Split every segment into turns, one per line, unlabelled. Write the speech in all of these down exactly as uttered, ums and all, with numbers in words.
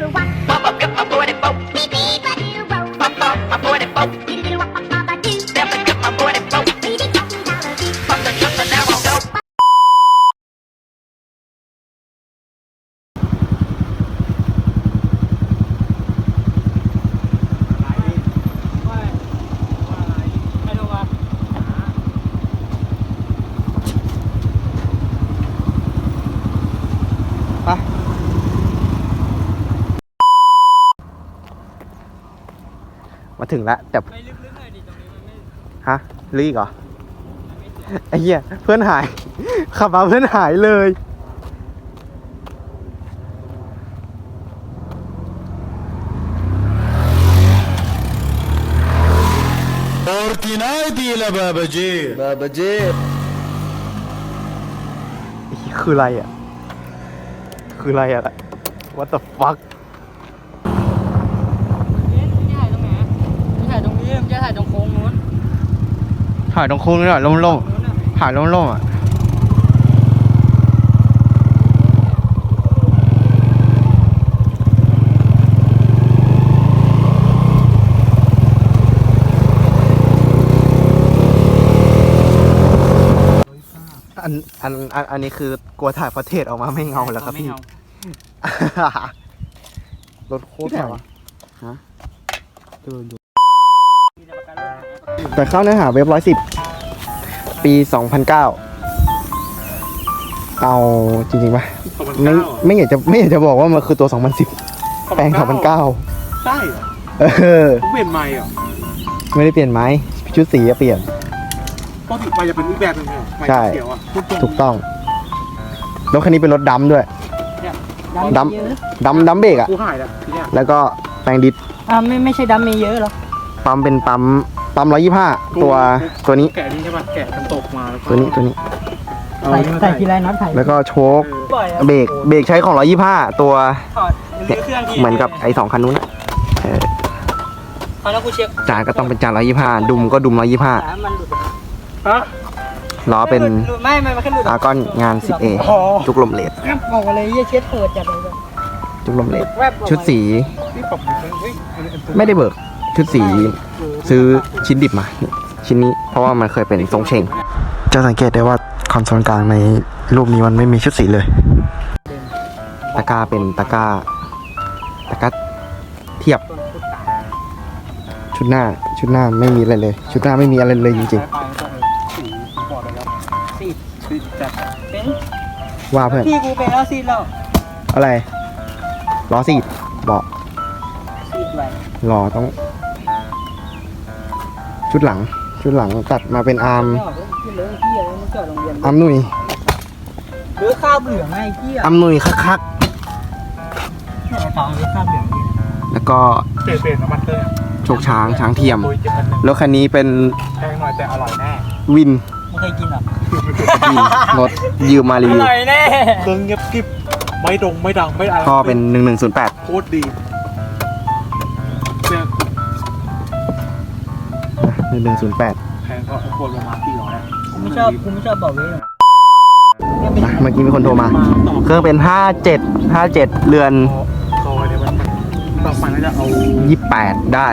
มาถึงแล้วแต่ฮะลึกอีกเหรอไอ้เหี้ยเพื่อนหายขับมาเพื่อนหายเลย
โอร์ตินาดีละบาบาเจบาบาเจ
คืออะไรอ่ะคืออะไรอ่ะ What the fuck
ถ่ายตรงโค้งนู้น
ถ่ายตรงโค้งนู้นหน่อยล่มๆถ่ายล่มๆอ่ะอันอันอันอันนี้คือกลัวถ่ายประเทศออกมาไม่เงาแล้วครับพี่รถโคตรใหญ่ฮะเดินดูแต่เข้าเนื้อหาเว็บร้อยสิบปีสองพันเก้าเอาจริงๆป่ะไม่ไม่อยากจะไม่อยากจะบอกว่ามันคือตัวสองพันสิบแปลงสองพันเก้า
ใช่เหรอ
เออ
เปลี่ยนไม้เหรอ
ไม่ได้เปลี่ยนไม้ชุดสีเปลี่ยน
ปกติไม้จะเป็นอีกแบบนึงเหรอใช่
ถูกต้องรถคันนี้เป็นรถดำด้วยดำดำดำเบรกอ่ะแล้วก็แปลงดิส
อ่าไม่ไม่ใช่ดำมีเยอะหรอ
ปั๊มเป็นปั๊มปั๊มร้อยยี่ห้าตัวตัวนี้
แกะนี้ใช่ป่ะแกะน้ำตกมา
ตัวนี้ตัวนี้
ใส่ใส่ทีไรน็อตไถ
แล้วก็โชคเบรกเบรกใช้ของร้อยยี่ห้าตัวเหมือนกับไอ้สองคันนู้นเออจานก็ต้องเป็นจานร้อยยี่ห้าดุมก็ดุมร้อยยี่ห้าล้อเป็นอาก้อนงาน สิบเอ จุกลมเลด
บอกเลยยี่เช็ดเปิดจัดเลย
จุกลมเลดชุดสีไม่ได้เบิกชุดสีซื้อชิ้นดิบมาชิ้นนี้เพราะว่ามันเคยเป็นทรงเชงจะสังเกตได้ว่าคอนโซลกลางในรูปนี้มันไม่มีชุดสีเลยตะกร้าเป็นตะกร้าตะกร้าเทียบชุดหน้าชุดหน้าไม่มีอะไรเลยชุดหน้าไม่มีอะไรเลยจริงๆว่าเพื่อน
พี่กูเป็นแล้วซีดแล้ว
อะไรล้อซีดเบาะล้อต้องชุดหลังชุดหลังตัดมาเป็นอาร์มอาร์มหนุ่ย
หรือข้าวเหลืองไงพี่
อาร์มหนุ่ยคัก
ๆ
แล้วก็
เปลี่ยนเปลี่ยนน้ำมันเครื่อง
โชคช้างช้างเทียมแล้วคันนี้เป็น
แพงหน่อยแต่อร่อยแน่
วิน
ไม่เคยกินหรอ
รถยืมมารีวิว
อร่อยแน่
เครื่องเงียบกิ๊บไม่ดงไม่ดังไม่อะไร
ก็เป็นหนึ่งหนึ่งศูนย์แปด
โคตรดี
หนึ่งหนึ่งศูนย์แปด
แพงก็ควรลงมาสี่ร้อย
ผมไม่ชอบผมไม่ชอบบอกเลย
เมื่อกี้มีคนโทรมาเครื่องเป็นห้าเจ็ดห้าเจ็ดเรือน
คอเนี่ยมันต่อไปก็จะเอา
ยี่สิบแปดได้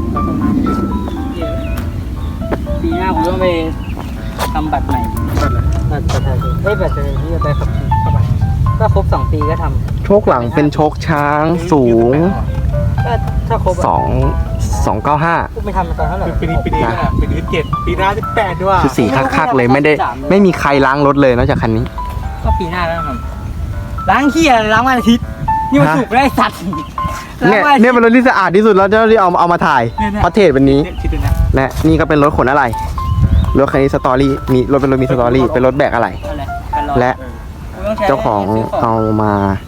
ปีหน้าผมต้องไปทำบัตรใหม่บัตรประชาชนเฮ้ยบัตรประชาชนที่จะไปขับขี่ก็ครบสองปีก็ทำ
โชคหลังเป็นโชคช้างสูง
ถ้าครบ
สองสองเก้าห้า
กูไปทำมาตอนเท่าไหร่
ปีนี้ปีนี้ปีนี้เจ็ดปีหน้าสิบแปดด้วย
ชุดสีคักๆเลยไม่ได้ไม่มีใครล้างรถเลยนอกจากคันนี้
ก็ปีหน้าแล้วครับล้างขี้อะไรล้างวันอาทิตย์นี่มันสุกได้สัตว์
เนี่ยเนี่ยเป็นรถที่สะอาดที่สุดแล้วเจ้าที่เอาเอามาถ่ายเพราะเทศวันนี้และนี่ก็เป็นรถขนอะไรรถคันนี้สตอรี่มีรถเป็นรถมีสตอรี่เป็นรถแบกอะไรและเจ้าของเอามา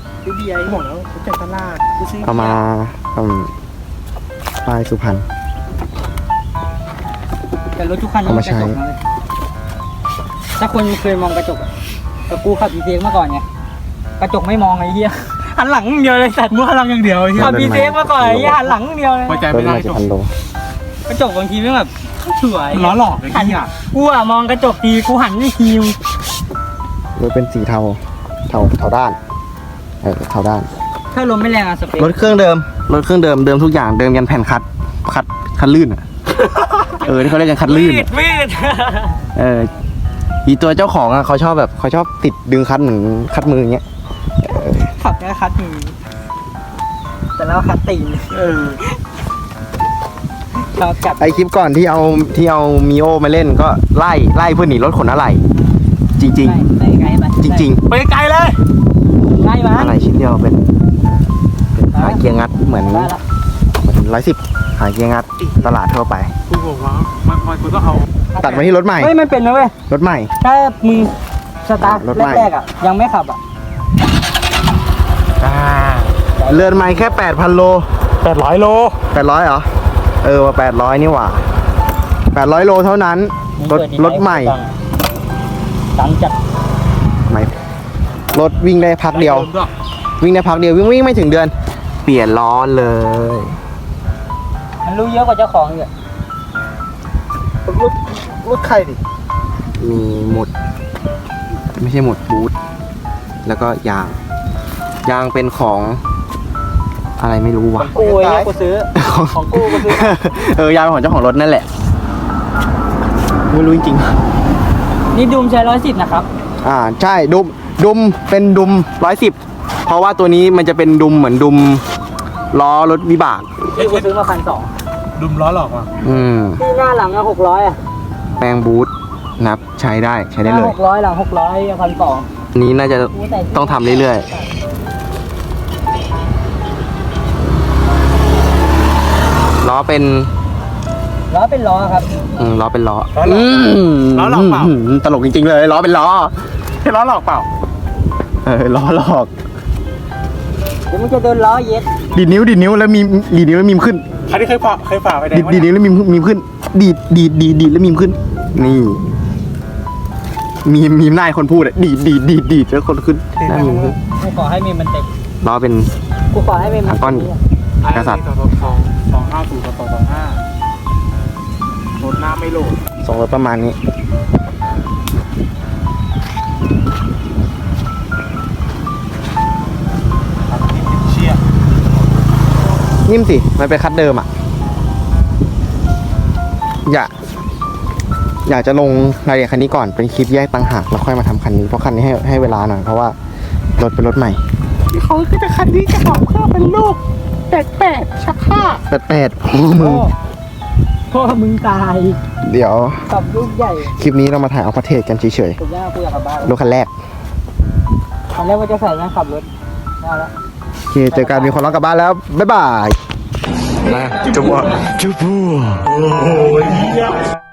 เอามาป้ายสุพรรณ
แต่รถทุกคันเอามาใช้ถ้าคนเคยมองกระจกแต่กูขับอีเทคเมื่อก่อนไงกระจกไม่มองไอ้เหี้ยหันหลังเดียวเลยสัตว์มือหันหลังอย่างเดียวขับอีเทคเมื่อก่อนไอ้เหี้ยหันหลังเดียวเลย
ใจไม่ได้กระจก
กระจกบางทีไม่แบบสวย
ล้อหลอกไอ้เหี้ย
กูอะมองกระจกทีกูหันไม่คิว
รถเป็นสีเทาเทาเทาด้านเออเทาด้าน
ถ้าลมไม่แรงอะสเปค
รถเครื่องเดิมรถเครื่องเดิมเดิมทุกอย่างเดิมยันแผ่นคัดคัดคัดลื่นอ่ะ เออที่เขาเรียกกันคัดลื่น
มี
อะ
ดมีด
เอออีตัวเจ้าของอ่ะเขาชอบแบบเขาชอบติดดึงคัดเหมือนคัดมืออย่างเงี้ย
ขับแค่คัดมือแต่แล้วคัดตีน
เออ
เรากัด
ไอคลิปก่อนที่เอาที่เอามีโอมาเล่นก็ไล่ไล่เพื่อหนีรถขนอะไร จริง
ไปไกลไป
ๆ จริง
ไปไกลเลย
ไล่มา
ๆ อะไรชิ้นเดียวเป็นเป็นหาเกียร์งัดเหมือน
ได้ละ
เหมือนร้อยสิบหาเกียร์งัดตลาดทั่วไป
กูบอกว่ามันมันกูต้องเอา
ตัดมาที่รถใหม่
เฮ้ยมันเป็นนะเว้ย
รถใหม่
ถ้ามึงสตาร์
รถ
ท
ใหม่
แรกๆอ่ะยังไม่ขับอ่ะ
อ่า
เรือนใหม่แค่แปดพันโล
แปดร้อยโล
แปดร้อยเหรอ เออว่าแปดร้อยนี่หว่าแปดร้อยโลเท่านั้น รถรถใหม่
ดังจัด
ใหม่ รถวิ่งได้พักเดียว วิ่งได้พักเดียววิ่งวิ่งไม่ถึงเดือน เปลี่ยนล้อเลย
มันรู้เยอะกว่าเจ้าของอีกอะ
รถรถใครดิ มีหมด ไม่ใช่หมดบูทแล้วก็ยาง ยางเป็นของอะไรไม่รู้ว่ะ
กูไอ้เนี่ยกูซื้อ ของกูกูซื้อ
เออยางเป็นของเจ้าของรถนั่นแหละ ไม่รู้จริง
นี่ดูมใช้ร้อยสิบนะครับ
ๆอ่าใช่ดุมดุมเป็นดุมร้อยสิบเพราะว่าตัวนี้มันจะเป็นดุมเหมือนดุมล้อรถวิบาก
นี่กูซื้อมาพันสอง
ดุมล้อหลอกว่ะ
อืม
ที่หน้าหลังอะหกร้อยอะ
แปลงบูทนับใช้ได้ใช้
ห
ได้
น้า
เลย
หกร้อยหลังหกร้อยพันสอง
อันนี้น่าจะต้องทำเรื่อยๆล้อเป็น
ล้อเป็นล้อครับ
อืมล้อเป็นล้อ
ล้อหลอกล้อหลอกเปล่า
อืมตลกจริงๆเลยล้อเป็นล้อ
ใช่ล้อหลอกเปล่า
เออล้อหลอก
เดี๋ยวมึงจะโดนล้อเย็ด
ดีดนิ้วดีดนิ้วแล้วมีดีดนิ้วแล้วมีมขึ้น
ใครที่เคยฝ่าเคยฝ่าไฟแด
ดี
ง
ด
วะ
ดีด
เนี่ย
นิ้วแล้วมีมมีมขึ้น ดีดดีดดีดดีดแล้วมีมขึ้น นี่มีมีหน้าคนพูดอะดีดดีดดีดดีดแล้วคนขึ้นหน้ามีมขึ้น
กูขอให้เมมมันเต็ม
ล้อเป็น
กูขอให้เมมมัน
อ่ะก้อน
เต็ม
อ่ะ
กษัตริย์
สองสองสองห้าศูนย์สองสองห้าโหลดหน้าไม่โหลด
ทรงรถประมาณนี้
ตัดทิ้งเชี่ย
นิ่มสิ มันเป็นคัดเดิมอ่ะ อยากอยากจะลงรายละเอียดคันนี้ก่อน เป็นคลิปแยกต่างหากแล้วค่อยมาทำคันนี้ เพราะคันนี้ให้ให้เวลาหน่อย เพราะว่ารถเป็นรถใหม่
เขาก็จะคันนี้จะบอกข้าเป็นลูกแปดแปดชักข้า
แปดแปดโอ้มึง
พ่อมึงตาย
เดี๋ยว
กับลูกใหญ่
คลิปนี้เรามาถ่ายเอาประเทศกันเฉย
ถูกแล้วกูอยากกลับบ้าน
ๆรถคันแรก
ตอนแรกว่าจะใส่นั่งขับรถได้แล้ว
โอเค เจอกันมีคนร้องกลับบ้านแล้ว บ๊ายบาย มาจุ๊บจุ๊บ